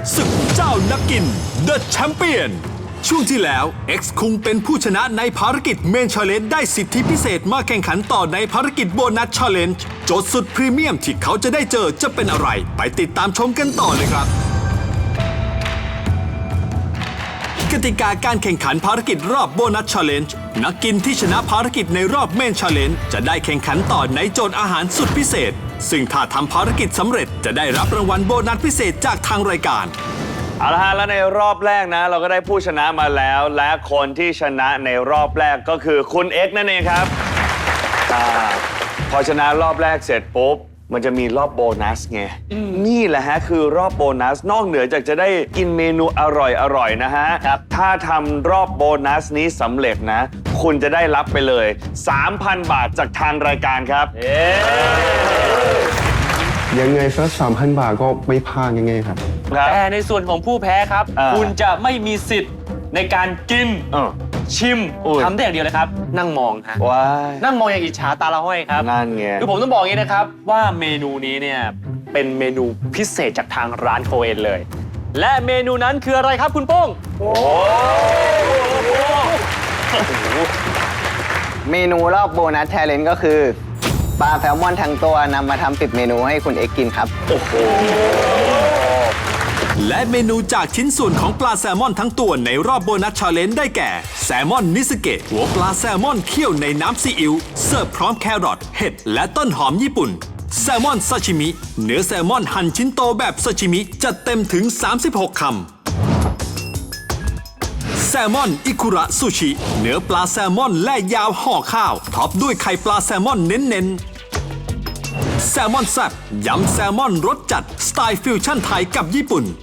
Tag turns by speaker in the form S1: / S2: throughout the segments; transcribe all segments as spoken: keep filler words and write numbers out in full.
S1: ศึกเจ้านักกิน The Champion ช่วงที่แล้ว X คุงเป็นผู้ชนะในภารกิจเมนชาเลนจ์ได้สิทธิพิเศษมาแข่งขันต่อในภารกิจโบนัสชาเลนจ์โจทย์สุดพรีเมียมที่เขาจะได้เจอจะเป็นอะไรไปติดตามชมกันต่อเลยครับกติกาการแข่งขันภารกิจรอบโบนัสชาเลนจ์นักกินที่ชนะภารกิจในรอบเมนชาเลนจ์จะได้แข่งขันต่อในโจทย์อาหารสุดพิเศษซึ่งถ้าทำภารกิจสำเร็จจะได้รับรางวัลโบนัสพิเศษจากทางรายการ
S2: เอาละฮะแล้วในรอบแรกนะเราก็ได้ผู้ชนะมาแล้ว และคนที่ชนะในรอบแรกก็คือคุณเอ็กซ์นั่นเองครับอาพอชนะรอบแรกเสร็จปุ๊บมันจะมีรอบโบนัสไงนี่แหละฮะคือรอบโบนัสนอกเหนือจากจะได้กินเมนูอร่อยๆนะฮะถ้าทำรอบโบนัสนี้สำเร็จนะคุณจะได้รับไปเลย สามพัน บาทจากทางรายการครับ
S3: ยังไงสักสามพันบาทก็ไม่พลาดยังไงครับ
S4: แต่ในส่วนของผู้แพ้ครับคุณจะไม่มีสิทธิ์ในการกินชิมทำได้อย่างเดียวเลยครับนั่งมองฮะนั่งมองอย่างอิจฉาตาละห้อยครับ
S2: นั่นไง
S4: คือผมต้องบอกอย่างนี้นะครับว่าเมนูนี้เนี่ยเป็นเมนูพิเศษจากทางร้านโคเอนเลยและเมนูนั้นคืออะไรครับคุณโป้งโอ้
S5: เมนูรอบโบนัสแชร์เลนจ์ก็คือปลาแซลมอนทั้งตัวนำมาทำสิบเมนูให้คุณเอ็กกินครับโอ้โห
S1: และเมนูจากชิ้นส่วนของปลาแซลมอนทั้งตัวในรอบโบนัสชาเลนจ์ได้แก่แซลมอนนิสเกะหัวปลาแซลมอนเคี่ยวในน้ำซีอิ๊วเสิร์ฟพร้อมแครอทเห็ดและต้นหอมญี่ปุ่นแซลมอนซาชิมิเนื้อแซลมอนหั่นชิ้นโตแบบซาชิมิจัดเต็มถึงสามสิบหกคำแซลมอนอิคุระซูชิเนื้อปลาแซลมอนแล่ยาวห่อข้าวท็อปด้วยไข่ปลาแซลมอนเน้นๆแซลมอนแซ่บยำแซลมอนรสจัดสไตล์ฟิวชั่นไทยกับญี่ปุ่น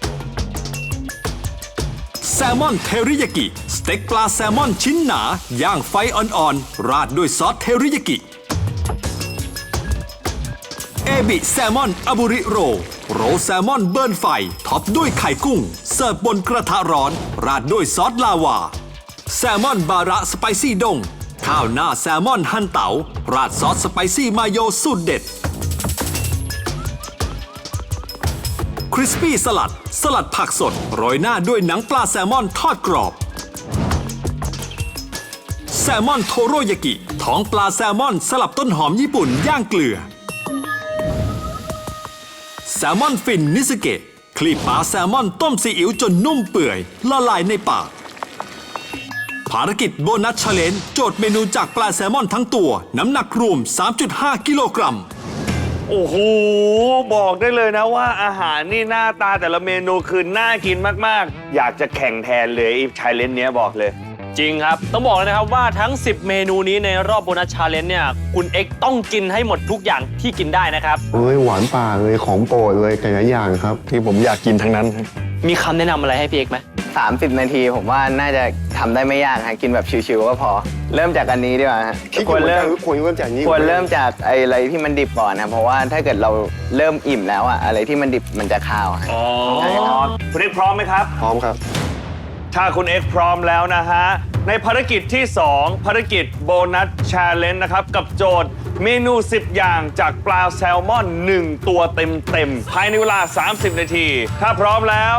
S1: แซลมอนเทริยากิสเต็กปลาแซลมอนชิ้นหนาย่างไฟอ่อนๆราดด้วยซอสเทริยากิเอบิแซลมอนอาบุริโรโรแซลมอนเบิร์นไฟท็อปด้วยไข่กุ้งเสิร์ฟบนกระทะร้อนราดด้วยซอสลาวาแซลมอนบาระสไปซี่ดงข้าวหน้าแซลมอนหั่นเต๋าราดซอสสไปซี่มาโยสูตรเด็ดคริสปี้สลัดสลัดผักสดโรยหน้าด้วยหนังปลาแซลมอนทอดกรอบแซลมอนโทโรยากิท้องปลาแซลมอนสลับต้นหอมญี่ปุ่นย่างเกลือแซลมอนฟินนิสเกะคลีบปลาแซลมอนต้มซีอิ๊วจนนุ่มเปื่อยละลายในปากภารกิจโบนัสชาเลนจ์โจทย์เมนูจากปลาแซลมอนทั้งตัวน้ำหนักรวม สามจุดห้า กิโลกรัม
S2: โอ้โหบอกได้เลยนะว่าอาหารนี่หน้าตาแต่ละเมนูคือน่ากินมากๆอยากจะแข่งแทนเลยอีชาเลนจ์เนี้ยบอกเลย
S4: จริงครับต้องบอกเลยนะครับว่าทั้งสิบเมนูนี้ในรอบโบนัสชาเลนจ์เนี่ยคุณเอ็กซ์ต้องกินให้หมดทุกอย่างที่กินได้นะครับ
S3: เอ้ยหวานป่าเลยของโปรดเลยแต่ละอย่างครับที่ผมอยากกินทั้งนั้น
S4: มีคำแนะนำอะไรให้พี่เอ็กซ์ไหม
S5: สามสิบนาทีผมว่าน่าจะทำได้ไม่ยากฮะกินแบบชิวๆก็พอเริ่มจากอันนี้ดีกว่าฮะ
S3: ควรเริ่มควรเริ่มจากนี้
S5: ควรเริ่มจากอะไรที่มันดิบก่อนนะเพราะว่าถ้าเกิดเราเริ่มอิ่มแล้วอะอะไรที่มันดิบมันจะคาว
S2: อ๋อคุณเอ็กซ์พร้อมไหมครับ
S3: พร้อมครับ
S2: ถ้าคุณเอ็กซ์พร้อมแล้วนะฮะในภารกิจที่สองภารกิจโบนัสชาเลนจ์นะครับกับโจทย์เมนูสิบอย่างจากปลาแซลมอนหนึ่งตัวเต็มๆภายในเวลาสามสิบนาทีถ้าพร้อมแล้ว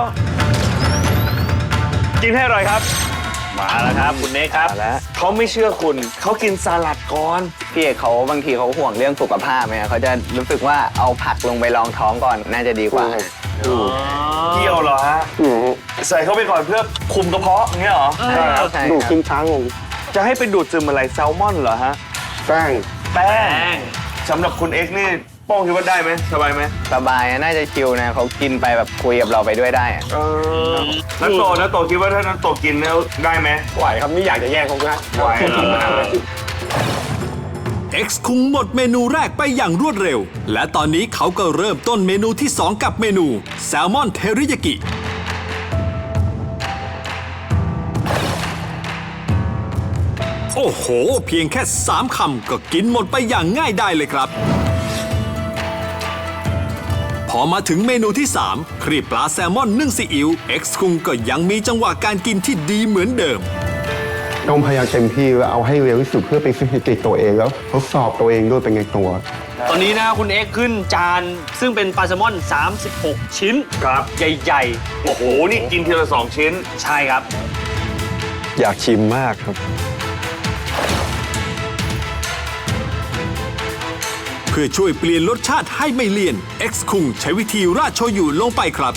S2: กินให้อร่อยครับมาแล้วครับคุณเน็กครับเขาไม่เชื่อคุณเขากินสลัดก่อน
S5: พี่เอกเขาบางทีเขาห่วงเรื่องสุขภาพไหมเขาจะรู้สึกว่าเอาผักลงไปรองท้องก่อนน่าจะดีกว่า
S2: เกี่ยวเหรอฮะใส่เข้าไปก่อนเพื่อคุมกระเพาะอย่างเงี้ยเหรอ
S3: ดูดกินช้างง
S2: จะให้ไปดูดซึมอะไรแซลมอนเหรอฮะ
S3: แป้ง
S2: แป้งสำหรับคุณเอ็กซ์นี่โป้งคิดว่าได้ไหมสบายไหม
S5: สบายน่าจะชิลนะเขากินไปแบบคุยกับเราไปด้วยได้
S2: นักโตนักโตคิดว่าถ้านักโตกินแล้วได้ไหม
S3: ไหวครับไม่อยากจะแย่งเขานะ
S2: ไหว
S1: X คุงหมดเมนูแรกไปอย่างรวดเร็วและตอนนี้เขาก็เริ่มต้นเมนูที่สองกับเมนูแซลมอนเทริยากิโอ้โหเพียงแค่สามคำก็กินหมดไปอย่างง่ายได้เลยครับพอมาถึงเมนูที่สามครีบปลาแซลมอนนึ่งซีอิ๊ว X คุงก็ยังมีจังหวะการกินที่ดีเหมือนเดิม
S3: ต้องพยายามเต็มที่แล้วเอาให้เร็วที่สุดเพื่อไปสถิติตัวเองแล้วทดสอบตัวเองด้วยเป็นไงตัว
S4: ตอนนี้นะคุณเอ็กซ์ขึ้นจานซึ่งเป็นปลาแซลมอน สามสิบหก ชิ้น
S2: ครับ
S4: ใหญ่
S2: โอ้โห นี่กินทีละสองชิ้น
S4: ๆ ใช่ครับ
S3: อยากชิมมากครับ
S1: เพื่อช่วยเปลี่ยนรสชาติให้ไม่เลี่ยน X คุงใช้วิธีราดโชยุลงไปครับ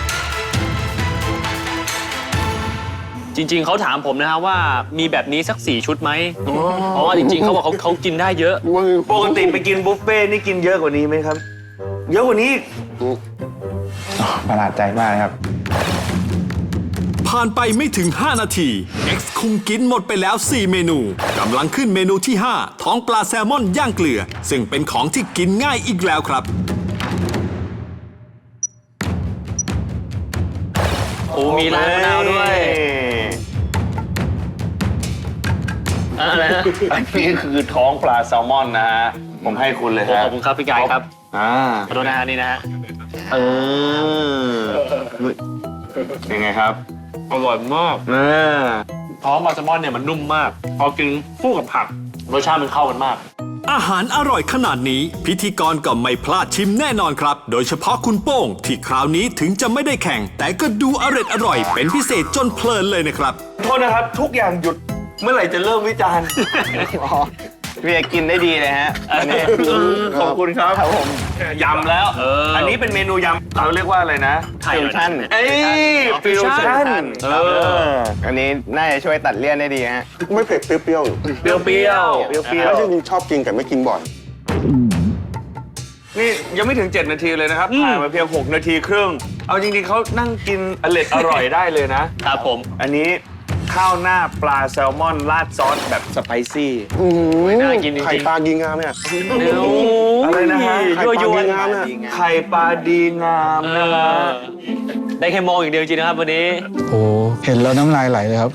S4: จริง ๆเขาถามผมนะฮะว่ามีแบบนี้สักสี่ชุดไหมเพราะว่าจริง ๆเขาบอกเขาเขากินได้เยอะ
S2: ปกติไปกินบุฟเฟ่ต์นี่กินเยอะกว่านี้ไหมครับ เยอะกว่านี้อีก
S5: ประหลาดใจมากครับ
S1: ผ่านไปไม่ถึง ห้า นาที X คุงกินหมดไปแล้ว สี่ เมนูกำลังขึ้นเมนูที่ ห้า ท้องปลาแซลมอนย่างเกลือ ซึ่งเป็นของที่กินง่ายอีกแล้วครับ
S4: โอ้มีร้านมะนาวด้วยอะไรนะ
S2: อันนี้คือท้องปลาแซลมอนนะฮะ ผมให้คุณเลย
S4: โอ้
S2: ฮะ
S4: ขอบคุณครับพี่กายครับ
S2: อ่า
S4: ขอโทษนะฮะนี่นะฮะ
S2: เออยังไงครับ
S4: อร่อยมาก
S2: อ่า
S4: ท้องปลาแซลมอนเนี่ยมันนุ่มมาก พอกินคู่กับผักรสชาติมันเข้ากันมาก
S1: อาหารอร่อยขนาดนี้ พิธีกรก็ไม่พลาดชิมแน่นอนครับ โดยเฉพาะคุณโป้งที่คราวนี้ถึงจะไม่ได้แข่ง แต่ก็ดูอร่อยอร่อยเป็นพิเศษจนเพลินเลยนะครับ
S2: โทษนะครับ ทุกอย่างหยุดเมื่อไหร่จะเริ่มวิจารณ์
S5: อ๋อพี่เอกกินได้ดีเลยฮะอันนี้
S2: ขอบคุณครับ
S5: ครับผม
S2: ยำแล้ว
S4: เอออั
S2: อันนี้เป็นเมนูยำเราเรียกว่าอะไรนะ
S4: ไทย
S5: ฟิวชั่น
S2: เอ้ยฟิวชั่นเออ
S5: อันนี้น่าจะช่วยตัดเลี่ยนได้ดีฮะ
S3: ไม่เผ็ดเปรี้ยว
S2: เปรี้ยวเปรี้ยวเปรี้ยวเปรี้ยว
S3: ๆแล้วจริงๆชอบกินแต่ไม่กินบ่อย
S2: นี่ยังไม่ถึง เจ็ด นาทีเลยนะครับผ่านมาเพียง หก นาทีครึ่ง เอาจริงๆเขานั่งกินอร่อยอร่อยได้เลยนะ
S4: ครับผม
S2: อันนี้ข้าวหน้าปลาแซลมอนราดซอสแบบสไปซี่
S4: น่ากินจริงๆ
S3: ไข่ปลาดีงามเนี่ย
S2: อะไรนะฮะ
S3: ไข่ปลาดีงามเนี่ย
S2: ไข่ปลาดีงาม
S4: เอ
S2: นะฮะ
S4: อได้แค่มองอย่างเดียวจริงๆนะครับวันนี้
S6: โอ้เห็นแล้วน้ำลายไหลเลยครับ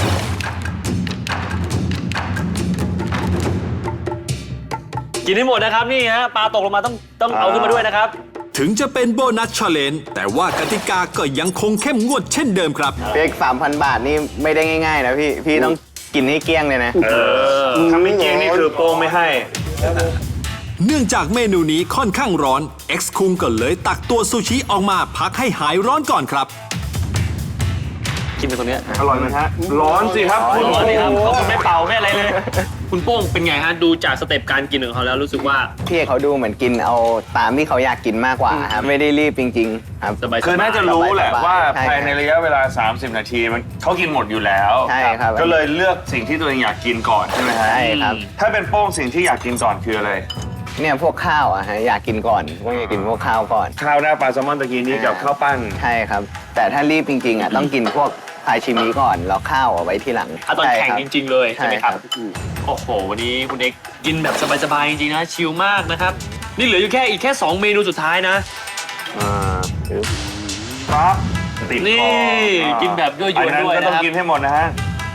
S4: กินให้หมดนะครับนี่ฮะปลาตกลงมาต้องต้องเอาขึ้นมาด้วยนะครับ
S1: ถึงจะเป็นโบนัสชาเลนจ์แต่ว่ากติกาก็ยังคงเข้มงวดเช่นเดิมครับ
S5: เป๊กสามพันบาทนี่ไม่ได้ง่ายๆนะพี่ พี่ต้องกินให้เกลี้ยงเลยนะ
S2: เออทำไม่จริงนี่คือโป้งไม่ให้
S1: เนื่องจากเมนูนี้ค่อนข้างร้อน X คุงก็เลยตักตัวซูชิออกมาพักให้หายร้อนก่อนครับ
S4: กินไปตรงเนี้ย
S2: อร่อยไหมฮะ ร้อนสิครับคุณ
S4: ร้อนนี่ครับเขาไม่เป่าไม่อะไรเลย คุณโป้งเป็นไงฮะดูจากสเต็ปการกินของเขาแล้วรู้สึกว่า
S5: พี่เอกเขาดูเหมือนกินเอาตามที่เขาอยากกินมากกว่าครับไม่ได้รีบจริงๆครับ
S4: สบายๆ
S2: คือน่าจะรู้แหละว่า
S5: ใช่
S2: ภายในระยะเวลา สามสิบ นาทีมันเขากินหมดอยู่แล้ว
S5: ใช่ครับ
S2: ก็เลยเลือกสิ่งที่ตัวเองอยากกินก่อนใช่ไหมฮะ
S5: ใช่ครับ
S2: ถ้าเป็นโป้งสิ่งที่อยากกินก่อนคืออะไร
S5: เนี่ยพวกข้าวอะฮะอยากกินก่อนพวกอยากกินพวกข้าวก่อน
S2: ข้าวหน้าปลาแซลมอนตะกี้นี้กับข้าวปั้น
S5: ใช่ครับ แต่ถ้ารีบจริงๆอ่ะต้องกินพวกพายชิมิก่อนแล้วข้าวเอาไว้ทีหลัง
S4: อ่ะตอนแข่งจริง ๆ เลยใช่ไหมครับ
S5: ใช่ครับ
S4: โอ้โห วันนี้คุณเอกกินแบบสบายๆจริงๆนะชิลมากนะครับ นี่เหลืออยู่แค่อีกแค่ สอง เมนูสุดท้ายนะ
S2: อ่าปั๊บติด
S4: นี่
S2: คอ
S4: กินแบบยั่วยวน
S2: อันนั้น
S4: ด้วย
S2: ก็
S4: นะ
S2: ต้อง
S4: ครับ
S2: กินให้หมดนะฮะ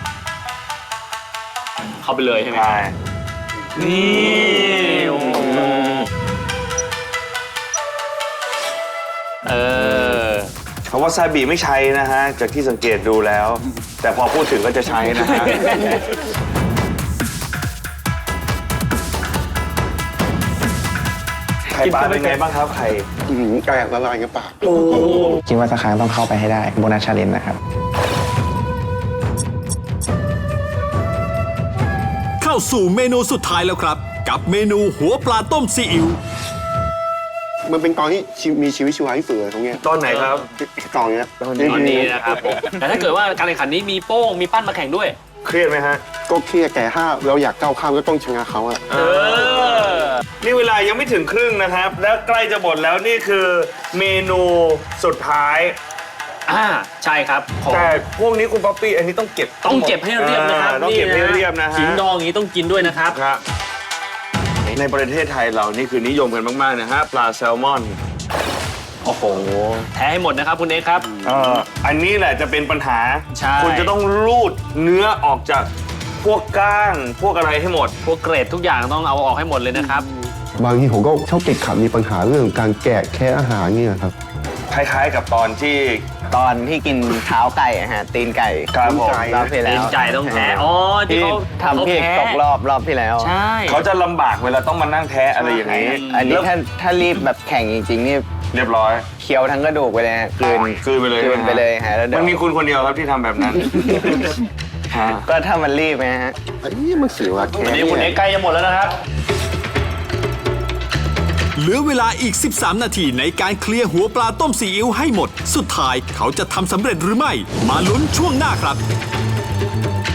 S4: เข้าไปเลยใช่ไหม
S2: ใช่
S4: นี่โอ้โหเออ
S2: เพราะว่าซาบิไม่ใช้นะฮะ จากที่สังเกตดูแล้ว แต่พอพูดถึงก็จะใช้นะฮะ ไข่ปลาเป็นไงบ้างครับไข่
S3: อื้อหือแตกละลายในปาก
S5: คิดว่าสักครั้งต้องเข้าไปให้ได้โบนัสชาเลนจ์นะครับ
S1: เข้าสู่เมนูสุดท้ายแล้วครับ กับเมนูหัวปลาต้มซีอิ๊ว
S3: มันเป็นตอนที่ชีมีชีวิตชีวาที่สุดเลยตรงเนี้ย
S2: ตอนไหนครับ
S3: ตอนเนี้ย
S4: ตอนนี้นะครับผมแต่ถ้าเกิดว่าการแข่งขันนี้มีโป้งมีปั้นมาแข่งด้วย
S2: เครียดไหมฮะ
S3: ก็เครียดแต่ถ้าเราอยากก้าวข้ามก็ต้องชนะเขาอะ
S4: เออ
S2: นี่เวลายังไม่ถึงครึ่งนะครับ แล้วใกล้จะหมดแล้วนี่คือเมนูสุดท้าย
S4: อ่าใช่ครับของ
S2: แต่พวกนี้คุณป๊อปปี้อันนี้ต้องเก็บ
S4: ต้องเก็บให้เรียบนะครับ
S2: อ่าต้องเก็บให้เรียบนะฮะ
S4: ขิงดองอย่างนี้ต้องกินด้วยนะครับ
S2: ครับในประเทศไทยเรานี่คือนิยมกันมากๆนะฮะปลาแซลมอน
S4: โอ้โห แท้ให้หมดนะครับคุณเอกครับ
S2: เอ่ออันนี้แหละจะเป็นปัญหา
S4: ใช่
S2: คุณจะต้องรูดเนื้อออกจากพวกก้าง พวกอะไรให้หมด
S4: พวกเกรดทุกอย่างต้องเอาออกให้หมดเลยนะครับ
S3: บางทีผมก็ชอบติดขัดมีปัญหาเรื่องการแกะแค่อาหารเนี่ยครับ
S2: คล้ายๆกับตอนที่
S5: ตอนที่กินเท้าไก่อะฮะตีนไก่
S2: ครับผม
S5: รอบที่แล้ว
S4: ตีนไก่ต้องแพ้อ๋อที่
S5: ที่
S4: เขา
S5: ทำพี่เอก
S4: เขาแพ้
S5: ตกรอบรอบที่แล้ว
S4: ใช่
S2: เขาจะลำบากเวลาต้องมานั่งแท้อะไรอย่างนี้
S5: อันนี้
S2: แล้ว
S5: ถ้าถ้ารีบแบบแข่งจริงๆนี่
S2: เรียบร้อย
S5: เคี้ยวทั้งกระดูกไปเลยฮะกลืน
S2: กลืนไปเลย
S5: กลืนไปเลยฮะแล้วเดี๋ย
S2: มั
S5: วน
S2: มีคุณคนเดียวครับที่ทำแบบนั้นฮะ
S5: ก็ถ้ามันรีบนะฮะ
S3: ไอ้นี่มันเสียว่าแค่
S4: วันนี้คุณเอ็กซ์ใกล้จะหมดแล้วนะครับ
S1: เหลือเวลาอีก สิบสาม นาทีในการเคลียร์หัวปลาต้มซีอิ๊วให้หมด สุดท้ายเขาจะทำสำเร็จหรือไม่ มาลุ้นช่วงหน้าครับ